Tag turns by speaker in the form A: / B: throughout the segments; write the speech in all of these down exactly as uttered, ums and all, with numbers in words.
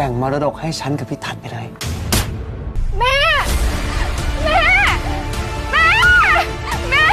A: งมรดกให้ฉันกับพี่ทัศน์ไปเลย
B: แม่แม่แม่แม่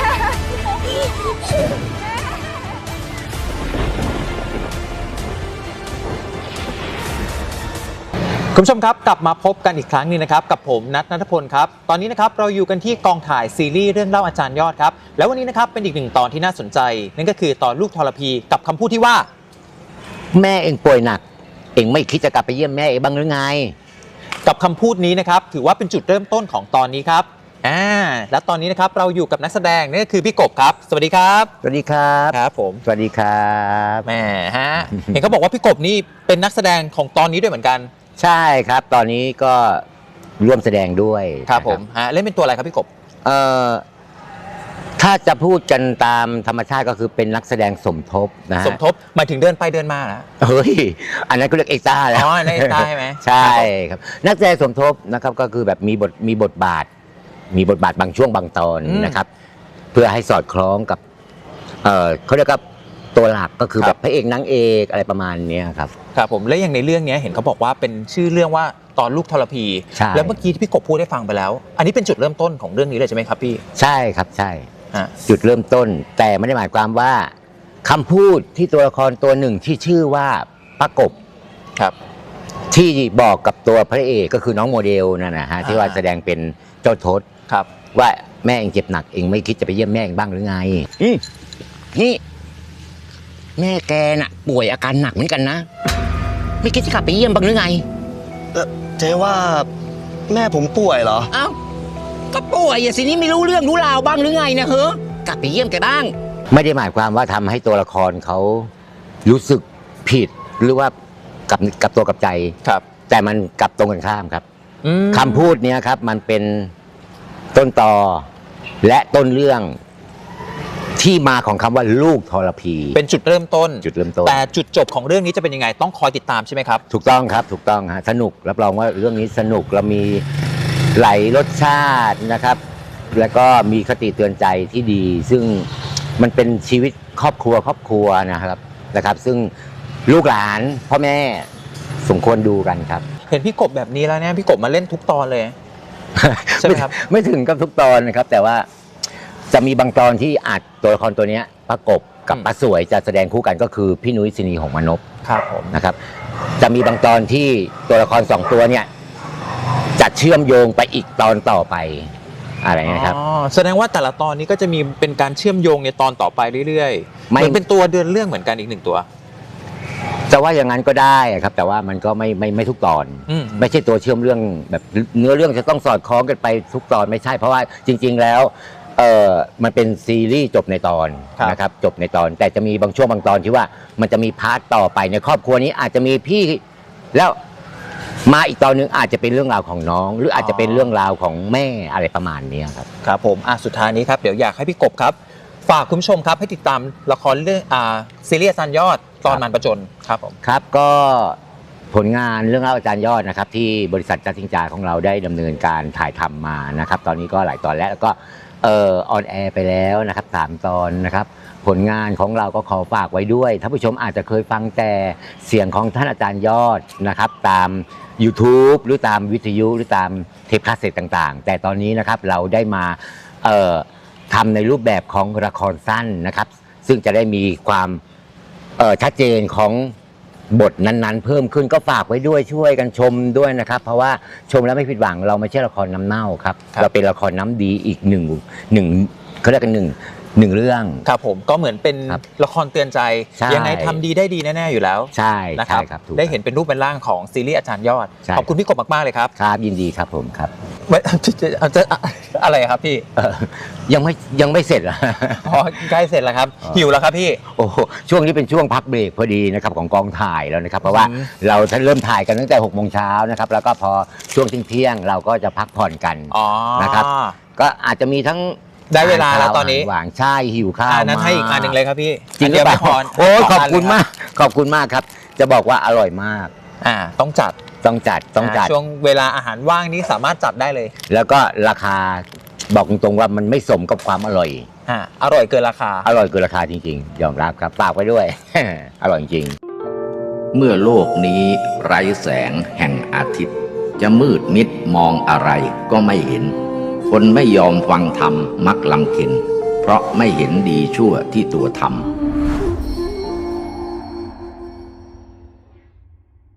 C: คุณผู้ชมครับกลับมาพบกันอีกครั้งนึงนะครับกับผมนัท ณัฐพลครับตอนนี้นะครับเราอยู่กันที่กองถ่ายซีรีส์เรื่องเล่าอาจารย์ยอดครับแล้ววันนี้นะครับเป็นอีกหนึ่งตอนที่น่าสนใจนั่นก็คือตอนลูกทรพีกับคำพูดที่ว่า
D: แม่เองป่วยหนักเองไม่คิดจะกลับไปเยี่ยมแม่เองบ้างหรือไง
C: กับคำพูดนี้นะครับถือว่าเป็นจุดเริ่มต้นของตอนนี้ครับอ่าและตอนนี้นะครับเราอยู่กับนักแสดงนั่นก็คือพี่กบครับสวัสดีครับ
D: สวัสดีครับ
C: ครับผม
D: สวัสดีครับ
C: แหมฮะ เห็นเขาบอกว่าพี่กบนี่เป็นนักแสดงของตอนนี้ด้วยเหมือนกัน
D: ใช่ครับตอนนี้ก็ร่วมแสดงด้วย
C: ครับผมฮะเล่นเป็นตัวอะไรครับพี่กบ
D: เอ่อถ้าจะพูดกันตามธรรมชาติก็คือเป็นนักแสดงสมทบนะ
C: สมทบหมายถึงเดินไปเดินมานะ
D: เฮ้ยอันนั้นก็เรียกเอ็กซ์ต้าแล้ว
C: อ๋อเอ็กซ์ต้าใช่ไหม
D: ใช่ครับนักแสดงสมทบนะครับก็คือแบบมีบทมีบทบาทมีบทบาทบางช่วงบางตอนนะครับเพื่อให้สอดคล้องกับเอ่อเขาเรียกว่าตัวหลักก็คือแบบพระเอกนางเอกอะไรประมาณนี้ครับ
C: ครับผมและอย่างในเรื่องนี้เห็นเขาบอกว่าเป็นชื่อเรื่องว่าตอนลูกทรพีแล้วเมื่อกี้ที่พี่กบพูดได้ฟังไปแล้วอันนี้เป็นจุดเริ่มต้นของเรื่องนี้เลยใช่ไหมครับพี่
D: ใช่ครับใช่จุดเริ่มต้นแต่ไม่ได้หมายความว่าคำพูดที่ตัวละครตัวหนึ่งที่ชื่อว่าป้ากบ
C: ครับ
D: ที่บอกกับตัวพระเอกก็คือน้องโมเดลนั่นนะฮะที่ว่าแสดงเป็นเจ้าทศ
C: ครับ
D: ว่าแม่เองเจ็บหนักเองไม่คิดจะไปเยี่ยมแม่เองบ้างหรือไงนี่แม่แกน่ะป่วยอาการหนักเหมือนกันนะไม่คิดจะกลับไปเยี่ยมบ้างหรือไง
E: เจ๊ว่าแม่ผมป่วยเหรอ
D: เอ้าก็ป่วยอย่างสินี้ไม่รู้เรื่องรู้ราวบ้างหรือไงนะเฮ้กลับไปเยี่ยมแกบ้างไม่ได้หมายความว่าทำให้ตัวละครเขารู้สึกผิดหรือว่ากับกับตัวกับใจ
C: ครับ
D: แต่มันกลับตรงกันข้ามครับคำพูดนี้ครับมันเป็นต้นตอและต้นเรื่องที่มาของคำว่าลูกทรพี
C: เป็นจุดเริ่มต้น
D: จุดเริ่มต้น
C: แต่จุดจบของเรื่องนี้จะเป็นยังไงต้องคอยติดตามใช่ไหมครับ
D: ถูกต้องครับถูกต้องฮะสนุกรับรองว่าเรื่องนี้สนุกเรามีไหลรสชาตินะครับแล้วก็มีคติเตือนใจที่ดีซึ่งมันเป็นชีวิตครอบครัวครอบครัวนะครับนะครับซึ่งลูกหลานพ่อแม่สมควรดูกันครับ
C: เห็นพี่กบแบบนี้แล้วเนี่ยพี่กบมาเล่นทุกตอนเลยใช่ไหมครับ
D: ไม่ถึงกับทุกตอนนะครับแต่ว่าจะมีบางตอนที่อาจตัวละครตัวนี้ประกบกับป้าสวยจะแสดงคู่กันก็คือพี่นุ้ยศินีหงส์มานพ
C: ครับผม
D: นะครับจะมีบางตอนที่ตัวละครสองตัวเนี่ยจะเชื่อมโยงไปอีกตอนต่อไปอะไรนะครับ
C: อ๋อแสดงว่าแต่ละตอนนี้ก็จะมีเป็นการเชื่อมโยงในตอนต่อไปเรื่อยๆเหมือนเป็นตัวเดินเรื่องเหมือนกันอีกหนึ่งตัว
D: จะว่าอย่างนั้นก็ได้ครับแต่ว่ามันก็ไม่ไม่ไม่ทุกตอนไม่ใช่ตัวเชื่อมเรื่องแบบเนื้อเรื่องจะต้องสอดคล้องกันไปทุกตอนไม่ใช่เพราะว่าจริงๆแล้วเออมันเป็นซีรีส์จบในตอนนะครับจบในตอนแต่จะมีบางช่วงบางตอนที่ว่ามันจะมีพาร์ทต่อไปในครอบครัวนี้อาจจะมีพี่แล้วมาอีกตอนนึงอาจจะเป็นเรื่องราวของน้องหรืออาจจะเป็นเรื่องราวของแม่อะไรประมาณนี้ครับ
C: ครับผมอ่ะสุดท้ายนี้ครับเดี๋ยวอยากให้พี่กบครับฝากคุณผู้ชมครับให้ติดตามละครเรื่องอ่าซีรีส์อาจารย์ยอดตอนมันประจนครับผม
D: ครับก็ผลงานเรื่องเล่าอาจารย์ยอดนะครับที่บริษัทจัดสิงจาของเราได้ดำเนินการถ่ายทำมานะครับตอนนี้ก็หลายตอนแล้วแล้วก็เอ่อออนแอร์ไปแล้วนะครับสามตอนนะครับผลงานของเราก็ขอฝากไว้ด้วยท่านผู้ชมอาจจะเคยฟังแต่เสียงของท่านอาจารย์ยอดนะครับตาม YouTube หรือตามวิทยุหรือตามเทปคาสเซ็ตต่างๆแต่ตอนนี้นะครับเราได้มาเอ่อทำในรูปแบบของละครสั้นนะครับซึ่งจะได้มีความเอ่อชัดเจนของบทนั้นๆเพิ่มขึ้นก็ฝากไว้ด้วยช่วยกันชมด้วยนะครับเพราะว่าชมแล้วไม่ผิดหวังเราไม่ใช่ละครน้ำเน่าครับเราเป็นละครน้ำดีอีกหนึ่งหนึ่งเขาเรียกกันหนึ่งหนึ่งเรื่อง
C: ครับผมก็เหมือนเป็นละครเตือนใจยังไงทำดีได้ดีแน่ๆอยู่แล้ว
D: ใช่
C: นะครับได้เห็นเป็นรูปเป็นร่างของซีรีส์อาจารย์ยอดขอบคุณพี่กบมากๆเลยครับ
D: ครับยินดีครับผมครับ
C: จะอะไรครับพี่
D: ยังไม่ยังไม่เสร็จเหรอ
C: อ๋อใกล้เสร็จแล้วครับหิวแล้วครับพี่
D: โอ้ช่วงนี้เป็นช่วงพักเบรกพอดีนะครับของกองถ่ายแล้วนะครับเพราะว่าเราเริ่มถ่ายกันตั้งแต่หกโมงเช้านะครับแล้วก็พอช่วงเที่ยงเราก็จะพักผ่อนกันนะครับก็อาจจะมีทั้ง
C: ได้เวลาแล้วตอนนี้
D: หวานใช่หิวข้าว
C: นั้นให้อีกอันหนึ่งเลยครับพี่
D: จริงหรือเปล่าโอ้ขอบคุณมากขอบคุณมากครับจะบอกว่าอร่อยมาก
C: อ่าต้องจัด
D: ต้องจัดต้องจัด
C: ช่วงเวลาอาหารว่างนี้สามารถจัดได้เลย
D: แล้วก็ราคาบอกตรงๆว่ามันไม่สมกับความอร่อย
C: อ่าอร่อยเกินราคา
D: อร่อยเกินราคาจริงๆยอมรับครับฝากไว้ด้วยอร่อยจริง
F: เมื่อโลกนี้ไร้แสงแห่งอาทิตย์ จะมืดมิดมองอะไรก็ไม่เห็น คนไม่ยอมฟังธรรมมักลำเค็ญเพราะไม่เห็นดีชั่วที่ตัวทำ